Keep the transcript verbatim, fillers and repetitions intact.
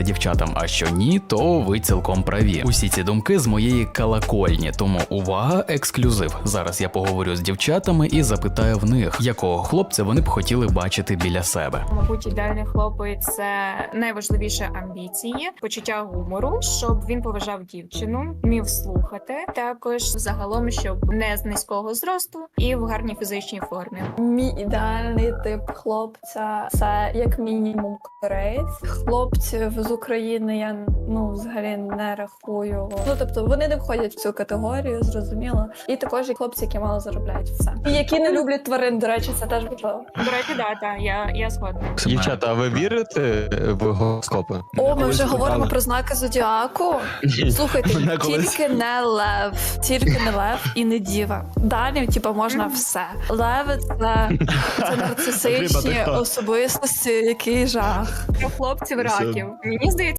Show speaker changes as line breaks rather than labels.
дівчатам, а що ні, то ви цілком праві. Усі ці думки з моєї колокольні, тому увага, ексклюзив. Зараз я поговорю з дівчатами і запитаю в них, якого хлопця вони б хотіли бачити біля себе.
Мабуть, ідеальний хлопець – це найважливіше амбіції, почуття гумору, щоб він поважав дівчину, вмів слухати, також загалом, щоб не з низького зросту і в гарній фізичній формі.
Мій ідеальний тип хлопця – це як мінімум кореєць. Хлопців з України я ну взагалі не рахую. Ну тобто вони не входять в цю категорію, зрозуміло. І також і хлопці, які мало заробляють, все. І які не люблять тварин, до речі, це теж важливо.
До речі, да, та, я, я згодна.
Дівчата, а ви вірите в гороскопи?
О, ми вже говоримо про знаки зодіаку. Слухайте, тільки не лев, тільки не лев і не діва. Далі, типу, можна все. Леви це, це нарцисичні особистості, який жах.
Про хлопців раків. Мені здається,